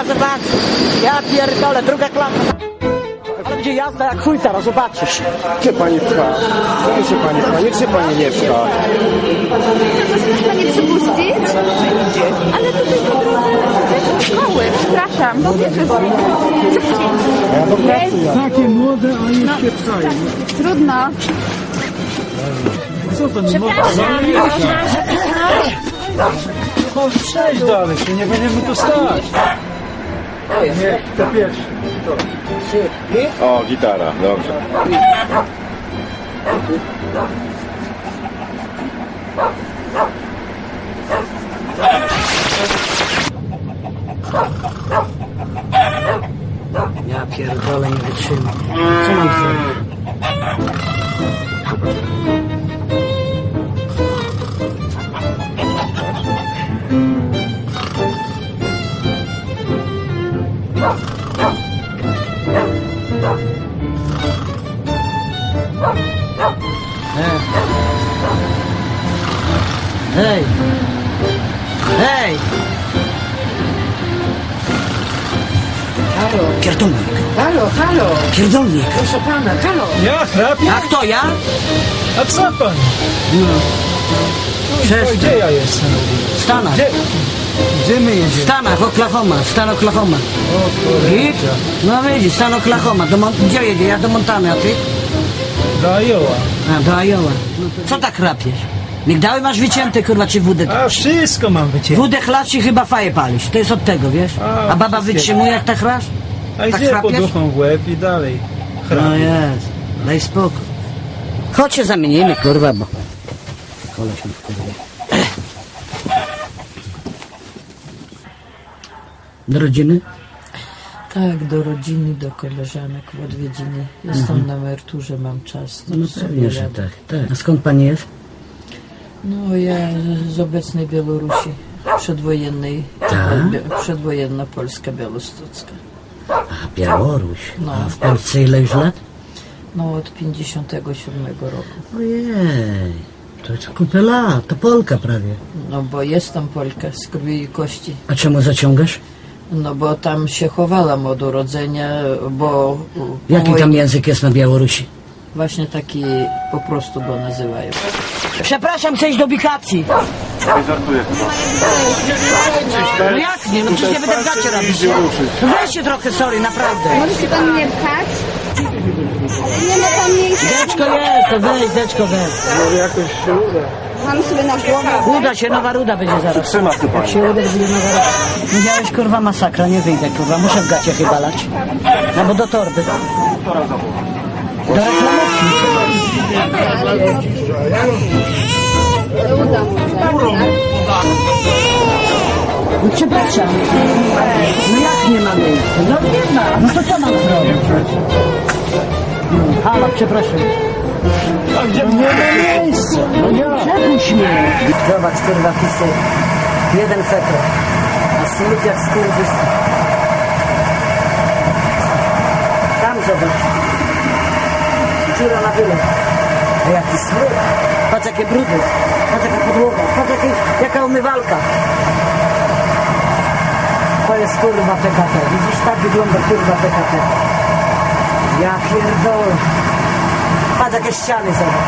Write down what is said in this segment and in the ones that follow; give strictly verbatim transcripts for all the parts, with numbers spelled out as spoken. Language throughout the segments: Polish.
kurwa, zobacz. Ja pierdolę, druga klasa. Ale będzie jazda jak chuj teraz, zobaczysz. Gdzie pani pcha? Gdzie się pani pcha? Niech się pani nie pcha. Może pani przypuścić? Ale tutaj po drodze do szkoły. Przepraszam, bo wiesz, że Ja do pracy jadę. Takie młode, a już się pchają. trudno. Co to nie można? No przejdź dalej, się nie będziemy tu stać. Nie, to pierwszy. O, gitara, dobrze. Ja pierdolę, nie wytrzymam. Co mam zrobić? Hej! Hej! Halo, Pierdolnik! halo, halo, Pierdolnik! proszę pana, halo. Ja chrapię? A kto ja? A co pan? No. To Przestań. gdzie ja jestem? W Stanach. Gdzie? Gdzie my W jedziemy? Stanach, Oklahoma. Stan Oklahoma. O kurde. I? No widzisz, stan Oklahoma. Do Mon- Gdzie jedzie? Ja do Montany, a ty? Do Iowa. A, do Iowa. Co tak chrapiesz? Migdały masz wycięte, kurwa, czy wódę? A wszystko mam wycięte. Wódę chlasz i chyba faję palisz. To jest od tego, wiesz? A, A baba wszystkiego. wytrzymuje, jak tak chrasz? A tak idzie chrapiesz? poduchą w łeb i dalej. No Chrapie. jest. Daj spokój. Chodź się zamienimy, kurwa, bo... Koleś mi wkurwie. Do rodziny? Tak, do rodziny, do koleżanek w odwiedziny. Jestem na emeryturze, mam czas. to No sobie pewnie, że jadę. tak, tak. A skąd pani jest? No ja z obecnej Białorusi, przedwojennej, Tak? Bie- przedwojenna Polska Białostocka. A, Białoruś. No. A w Polsce ile już lat? No od pięćdziesiątego siódmego roku. Ojej, to jest kupę lat, to Polka prawie. No bo jestem Polka z krwi i kości. A czemu zaciągasz? No bo tam się chowałam od urodzenia, bo... po Jaki tam wojnie język jest na Białorusi? Właśnie taki po prostu go nazywają. Przepraszam, chcę iść do ubikacji. Żartuję chyba. No jak nie? No przecież nie będę w gacie robić. No weźcie trochę, sorry, naprawdę. Może się pan nie pchać? Nie ma pan miejsca. Deczko jest, to weź, deczko weź. Może jakoś się uda. Mam sobie na głowę. Uda się, nowa ruda będzie zaraz. Trzyma się Jak pani. się uda, to będzie nowa ruda. Widziałeś, kurwa, masakra, nie wyjdę, kurwa, muszę w gacie chyba lać. No bo do torby. Do reklamówki. Uda mu się. No przepraszam. No jak nie ma miejsca? No nie ma. No to co mam zrobić? No, halo, przepraszam. A gdzie nie ma miejsca? No ja. Przepuść mnie. Zobacz, kurwa, pisy. Jeden fetro. A smut jak skurwys. Tam zobacz. Dziura na wyle. A jaki smut. Patrz jakie brudy. Patrz jaka podłoga. Patrz jakie, jaka umywalka. To jest kurwa P K P. Widzisz, tak wygląda kurwa P K P. Ja pierdolę. Patrz jakie ściany zobacz.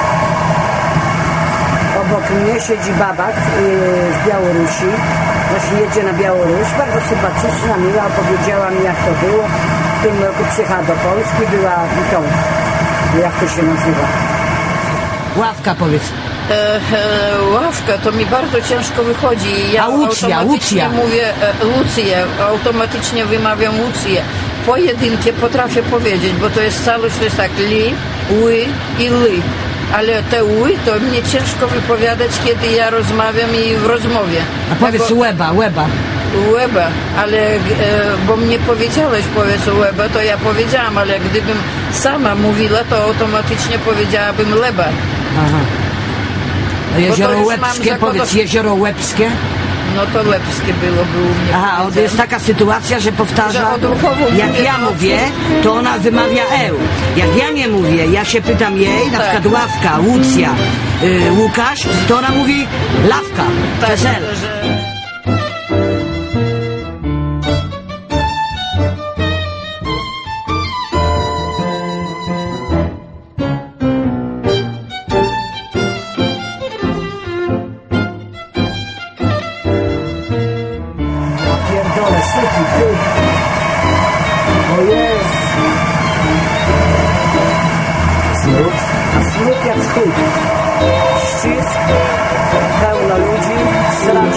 Obok mnie siedzi babak yy, z Białorusi. Właśnie jedzie na Białoruś. Bardzo sympatyczna, miła. Opowiedziała mi, jak to było. W tym roku przyjechała do Polski. Była tą, jak to się nazywa? Ławka, powiedz. E, e, ławka, to mi bardzo ciężko wychodzi. Ja A Łucja, automatycznie Łucja. mówię e, Łucję, automatycznie wymawiam Łucję. Pojedynkie potrafię powiedzieć, bo to jest całość, to jest tak li, ły i ly. Ale te ły to mnie ciężko wypowiadać, kiedy ja rozmawiam i w rozmowie. A powiedz Tego- łeba, łeba. Łeba, ale e, bo mnie powiedziałeś, powiedz łeba, to ja powiedziałam, ale gdybym sama mówiła, to automatycznie powiedziałabym leba. Aha. A jezioro już mam Łebskie, zakodo- powiedz jezioro Łebskie. No to lepskie byłoby u mnie. Aha, powiedziane. jest taka sytuacja, że powtarza, Że odruchowo jak mówię, ja no, mówię, to ona wymawia eł. Jak ja nie mówię, ja się pytam jej, na Tak. przykład Ławka, Łucja, y, Łukasz, to ona mówi Lawka, Tak, przez L. że...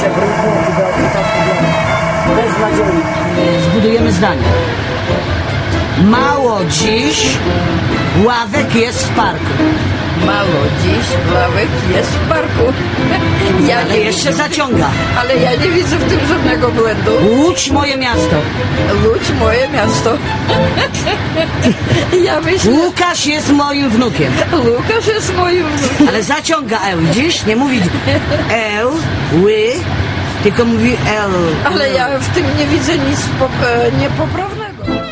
jeszcze brudny i do i tak wygląda. Beznadziejnie. Zbudujemy zdanie. Mało dziś ławek jest w parku. Mało dziś ławek jest w parku. Ja Ale nie jeszcze widzę, zaciąga. ale ja nie widzę w tym żadnego błędu. Łódź moje miasto. Łódź moje miasto. Ja myślę, Łukasz jest moim wnukiem. Łukasz jest moim wnukiem. Ale zaciąga L, widzisz? Nie mówi L, ły, tylko mówi L. Ale ja w tym nie widzę nic pop- e, niepoprawnego.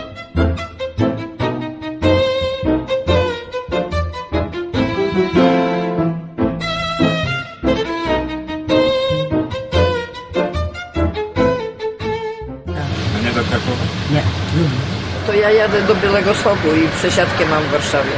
A nie do Krakowa? Nie. To ja jadę do Białego Stoku i przesiadkę mam w Warszawie.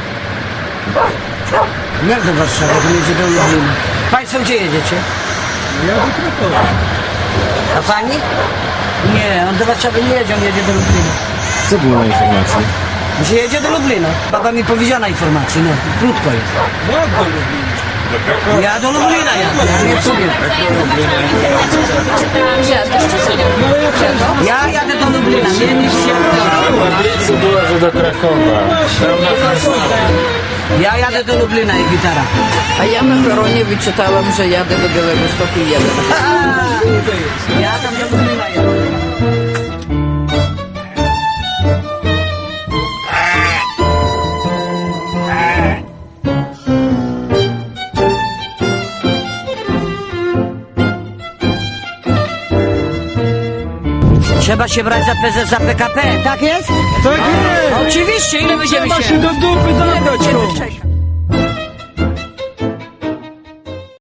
Jak do Warszawy, to jedzie do Lublina. Państwo gdzie jedziecie? Ja do Krakowa. A pani? Nie, on do Warszawy nie jedzie, on jedzie do Lublina. Co było na informacji? Że jedzie do Lublina. Baba mi powiedziała informację, no, krótko jest. No, do Lublina. Do Krakowa? Ja do Lublina jadę, ja nie sobie. Ja jadę do Lublina, nie nic się W Łablicy było, że do Krakowa. Tam na Krakowa. Ja jadę do Lublina i gitara. A ja na peronie wyczytałam, że jadę do Białego Stoku i jadę. Ja tam do Lublina jadę. Trzeba się brać za prezes za P K P, tak jest? Tak jest! Oczywiście, ile będziemy Trzeba się... się do dupy Ile dobrać będziemy komuś. czekać?